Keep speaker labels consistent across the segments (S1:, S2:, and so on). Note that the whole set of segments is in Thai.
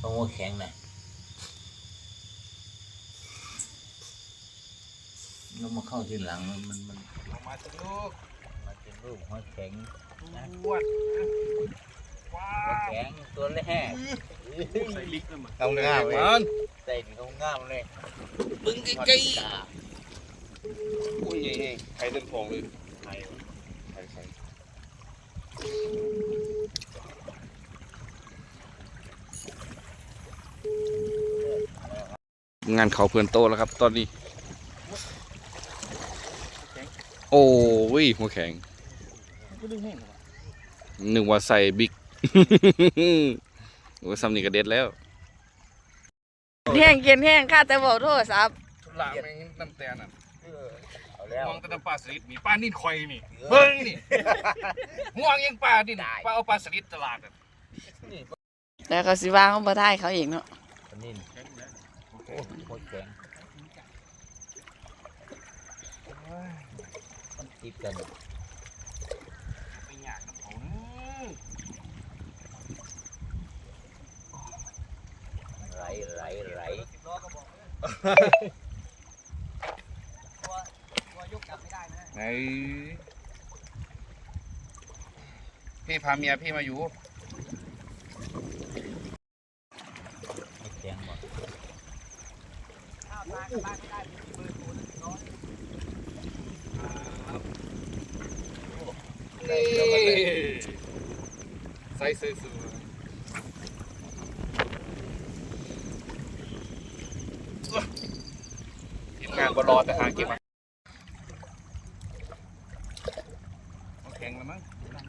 S1: ต้องหัวแข็งนะแล้วมาเข้าทีหลังมัน
S2: มาสิลูก
S1: มาเป็นรูปหัวแข็งนะ
S2: วดว้า
S1: หัวแข็งตัวแรก
S2: ใส่ลิกนะมัน
S1: เอาง่ามเลย
S2: มัน
S1: ใส่ถึงเอาง่ามเลย
S2: บึ้งใกล้ๆอุ้ยใครเดินพองเลย
S1: ไข่
S2: ใครงานเขาเพื่อนโตแล้วครับตอนนี้โอ้ยหัวแข็งนึกว่าใส่บิ๊ก โอ้ยซัมนี่ก็เด็ดแล้ว
S3: แห้งกินแห้งข้าแต่บอกโทษครับ
S2: ทุลาแม่งน้ำแตนอ่ะ
S1: เอาแล้ว
S2: มองแต่น้ำปลาสลิดมีปลานิ่นคอยนี่เบิ้งนี่ม่วงยังปลาดินปลาเอาปลาสลิดตลาดอ่ะ
S3: แล้วก็สิว่าเขาบ่ได้เขาเองเนาะ
S1: อันนี้โอ้หัวแข็งมันติดกัน
S2: ไปหยาดน้ำเขา
S1: ไหล
S2: ไหนพี่พาเมียพี่มาอยู่
S1: หัวแข็งหมด
S2: ใส่ซื้อทีมงานบอรอแต่หาเก็บมาแข็งแล้วมั้ง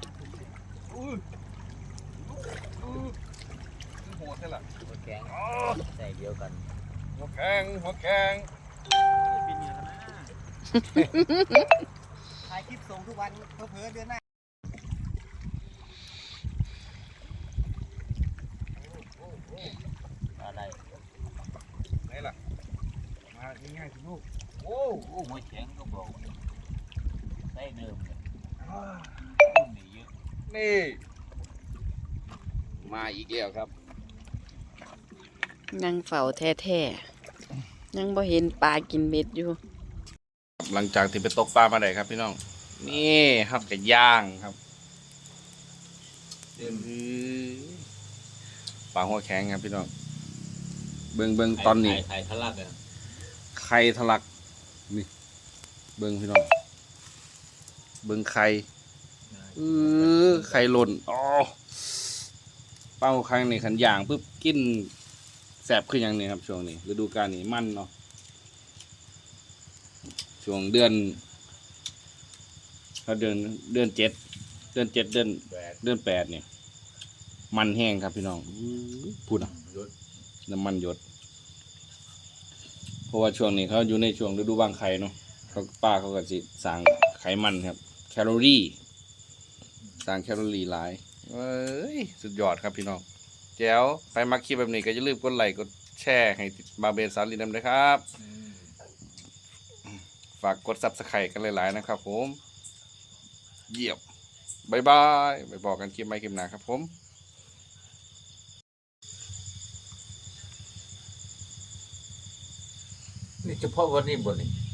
S2: โหดใช่หรอ
S1: หัวแข็งใส่เดียวกัน
S2: หัวแข็ง
S4: ถ่ายคลิปส่งทุกวันเผลอๆเดือนหน้า
S1: อะไร
S2: ไหนล่ะมาง่ายๆสิลูก
S1: โอ้หัวแข็งก็บอกใส่เดิมเลยนี่เยอะ
S2: นี่มาอีกแล้วครับ
S3: ยังเฝ้าแท้ๆยังบ่เห็นปลากินเบ็ดอยู่
S2: หลังจากที่ไปตกปลามาได้ครับพี่น้องนี่ครับกับย่างครับปลาหัวแข็งครับพี่น้องเบิ่งตอนนี้
S1: ไข่ทะลักอ่ะ
S2: ไข่ทะลักนี่เบิ่งพี่น้องเบิ่งไข่ไข่หล่นอ๋อเป้าครั้งนี้ขันย่างปุ๊บกินแสบขึ้นอย่างนี้ครับช่วงนี้ฤดูกาลนี้มันเนาะช่วงเดือนเดือน7 เดือน8เนี่ยมันแห้งครับพี่น้องพูดอ่ะ
S1: ยศ
S2: น้ำมันหยดเพราะว่าช่วงนี้เขาอยู่ในช่วงฤดูวางไข่เนาะเขาป้าเขาก็สิสั่งไขมันครับแคลอรี่สั่งแคลอรี่หลายเอ้ยสุดยอดครับพี่น้องแจ๋วใครมักคลิปแบบนี้ก็อย่าลืมกดไลค์กดแชร์ให้บาเบนสาลีนำด้วยครับ ฝากกด Subscribe กันหลายๆนะครับผมเยี่ยมบ๊ายบายไปบอกกันคลิปใหม่คลิปหน้าครับผม
S1: นี่เฉพาะวันนี้บนนี่